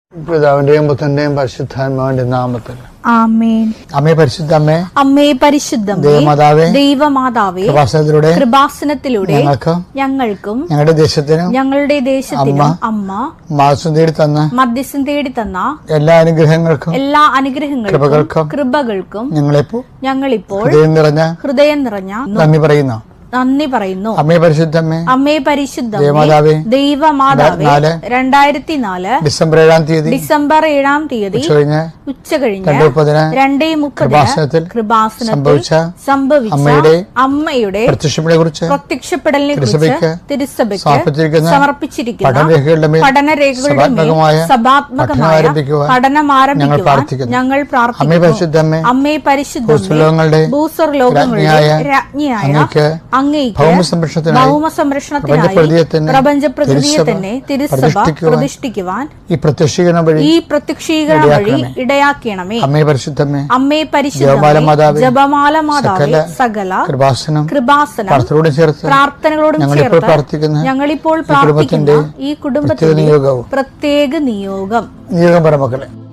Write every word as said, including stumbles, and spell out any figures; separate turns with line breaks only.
പിതാവിന്റെയും പുത്രന്റെയും പരിശുദ്ധാത്മാവിന്റെ നാമത്തിൽ
ആമേൻ.
അമ്മേ പരിശുദ്ധമ്മേ,
അമ്മേ പരിശുദ്ധമേ,
ദൈവമാതാവേ,
ദൈവമാതാവേ,
കൃപാസനത്തിലൂടെ
കൃപാസനത്തിലൂടെ
ഞങ്ങൾക്കും
ഞങ്ങൾക്കും
ഞങ്ങളുടെ ദേശത്തിനും
ഞങ്ങളുടെ ദേശത്തിനും അമ്മ
മാസം തേടി തന്ന
മധ്യസ്ഥം തേടി തന്ന
എല്ലാ അനുഗ്രഹങ്ങൾക്കും
എല്ലാ അനുഗ്രഹങ്ങൾക്കും
കൃപകൾക്കും
കൃപകൾക്കും
ഞങ്ങളിപ്പോ
ഞങ്ങളിപ്പോൾ
ഹൃദയം നിറഞ്ഞ
ഹൃദയം നിറഞ്ഞ
നന്ദി പറയുന്നു.
നന്ദി പറയുന്നു.
അമ്മേ പരിശുദ്ധമ്മേ,
അമ്മേ പരിശുദ്ധമേ,
ദൈവമാതാവേ,
ദൈവമാതാവേ, രണ്ടായിരത്തി നാല്
ഡിസംബർ ഏഴാം തീയതി
ഡിസംബർ ഏഴാം തീയതി
കഴിഞ്ഞ്
ഉച്ച കഴിഞ്ഞ്
രണ്ടേ മുപ്പതിന്
രണ്ടേ മുപ്പതിന്
കൃപാസനത്തിൽ
കൃപാസനത്തിൽ
സംഭവിച്ച
സംഭവിച്ച
അമ്മയുടെ
അമ്മയുടെ
പ്രത്യക്ഷപ്പെടലിനെ കുറിച്ച്
പ്രത്യക്ഷപ്പെടലിനെ കുറിച്ച്
തിരുസഭയ്ക്ക്
തിരുസഭയ്ക്ക്
സമർപ്പിച്ചിരിക്കുന്ന
സമർപ്പിച്ചിരിക്കുന്ന
പഠനരേഖകളുടെ മേൽ
പഠനരേഖകളുടെ മേൽ
സഭാത്മകമായ
സഭാത്മകമായ
പഠനം ആരംഭിക്കുവാൻ
പഠനം
ഞങ്ങൾ
ആരംഭിക്കുവാൻ
പ്രാർത്ഥിക്കുന്നു.
ഞങ്ങൾ
അമ്മേ
പ്രാർത്ഥിക്കുന്നു.
പരിശുദ്ധമ്മേ,
അമ്മേ പരിശുദ്ധമേ,
ഭൂസ്വർലോകങ്ങളുടെ
ഭൂസ്വർലോകങ്ങളുടെ
രാജ്ഞിയായ
രാജ്ഞിയായ
അങ്ങയ്ക്ക്
അങ്ങയ്ക്ക്
ഭൗമസംരക്ഷണത്തിനായി
ഭൗമസംരക്ഷണത്തിനായി
പ്രപഞ്ചപ്രകൃതിയെ തന്നെ
പ്രപഞ്ചപ്രകൃതിയെ തന്നെ തിരുസഭ
പ്രതിഷ്ഠിക്കുവാൻ
പ്രതിഷ്ഠിക്കുവാൻ
ഈ പ്രത്യക്ഷീകരണം വഴി
ഈ പ്രത്യക്ഷീകരണം വഴി ഇടയാക്കണമേ.
അമ്മേ പരിശുദ്ധമേ,
അമ്മേ പരിശുദ്ധമേ,
ജപമാല മാതാവേ,
ജപമാല മാതാവേ, സകല
കൃപാസനം
കൃപാസനം
പ്രാർത്ഥനയോടും ചേർത്ത്
പ്രാർത്ഥനകളോടും
ഞങ്ങളിപ്പോൾ
ചേർത്ത്
പ്രാർത്ഥിക്കുന്ന
ഞങ്ങളിപ്പോൾ
ഈ കുടുംബത്തിന്റെ
പ്രാർത്ഥിക്കുന്ന ഈ കുടുംബത്തിന്റെ
നിയോഗവും
പ്രത്യേക നിയോഗം
നിയോഗം പറ മക്കളെ.